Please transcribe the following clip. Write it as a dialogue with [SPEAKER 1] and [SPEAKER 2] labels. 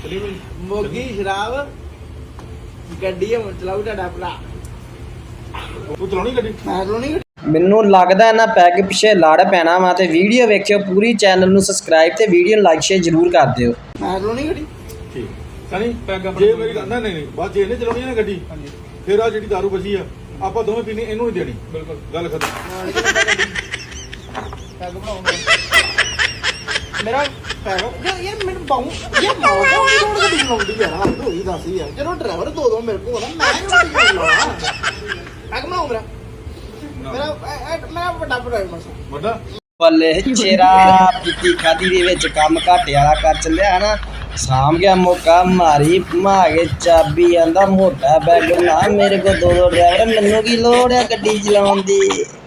[SPEAKER 1] ਮੋਗੀ ਸ਼ਰਾਬ ਗੱਡੀ ਹੁਣ ਚਲਾਉ ਤੁਹਾਡਾ ਭਰਾ।
[SPEAKER 2] ਤੂੰ ਚਲਾਉਣੀ ਗੱਡੀ?
[SPEAKER 1] ਮੈਂ ਚਲਾਉਣੀ।
[SPEAKER 3] ਮੈਨੂੰ ਲੱਗਦਾ ਇਹਨਾਂ ਪੈਗ ਪਿੱਛੇ ਲੜ ਪੈਣਾ ਵਾ ਤੇ ਵੀਡੀਓ ਵੇਖਿਓ ਪੂਰੀ, ਚੈਨਲ ਨੂੰ ਸਬਸਕ੍ਰਾਈਬ ਤੇ ਵੀਡੀਓ ਨੂੰ ਲਾਈਕ ਸ਼ੇਅਰ ਜ਼ਰੂਰ ਕਰ ਦਿਓ।
[SPEAKER 1] ਮੈਂ ਚਲਾਉਣੀ ਗੱਡੀ।
[SPEAKER 2] ਠੀਕ ਸਣੀ ਪੈਗ ਜੇ ਮੇਰੀ ਗੱਲ ਨਹੀਂ ਬਸ ਜੇ ਇਹਨੇ ਚਲਾਉਣੀ ਨਾ ਗੱਡੀ ਫਿਰ ਆ ਜਿਹੜੀ ਦਾਰੂ ਬਚੀ ਆ ਆਪਾਂ ਦੋਵੇਂ ਪੀਣੀ, ਇਹਨੂੰ ਨਹੀਂ ਦੇਣੀ। ਬਿਲਕੁਲ ਗੱਲ ਖਤਮ।
[SPEAKER 1] ਪੈਗ ਬਣਾਉਂਗਾ ਮੇਰਾ ਪੈਗ ਯਾਰ ਮੈਨੂੰ ਬਾਉ ਯਾਰ ਮਾਉ ਦੀ ਰੋਡ ਗੱਡੀ ਚਲਾਉਂਦੀ ਯਾਰ ਹੱਦ ਹੋਈ ਦੱਸ ਯਾਰ। ਜਦੋਂ ਡਰਾਈਵਰ ਦੋ ਮੇਰੇ ਕੋਲ ਹੋਣਾ ਮੈਂ ਗੱਡੀ ਚਲਾਉਣਾ। ਪੈਗ ਬਣਾਉ ਮੇਰਾ ਮੇਰਾ ਵੱਡਾ ਡਰਾਈਵਰ
[SPEAKER 2] ਵੱਡਾ
[SPEAKER 3] ਬੱਲੇ ਚੇਰਾ ਪੀਤੀ ਖਾਦੀ ਦੇ ਵਿੱਚ ਕੰਮ ਘਾਟੇ ਵਾਲਾ ਕਰ ਚੱਲਿਆ ਨਾ, ਸਾਂਭ ਗਿਆ ਮੌਕਾ ਮਾਰੀ ਘੁਮਾ ਕੇ ਚਾਬੀ ਆਂਦਾ ਮੋਟਾ ਬੈਗ ਨਾ ਮੇਰੇ ਕੋਲ ਦੋ ਡਰਾਈਵਰ, ਮੈਨੂੰ ਕੀ ਲੋੜ ਆ ਗੱਡੀ ਚਲਾਉਣ ਦੀ।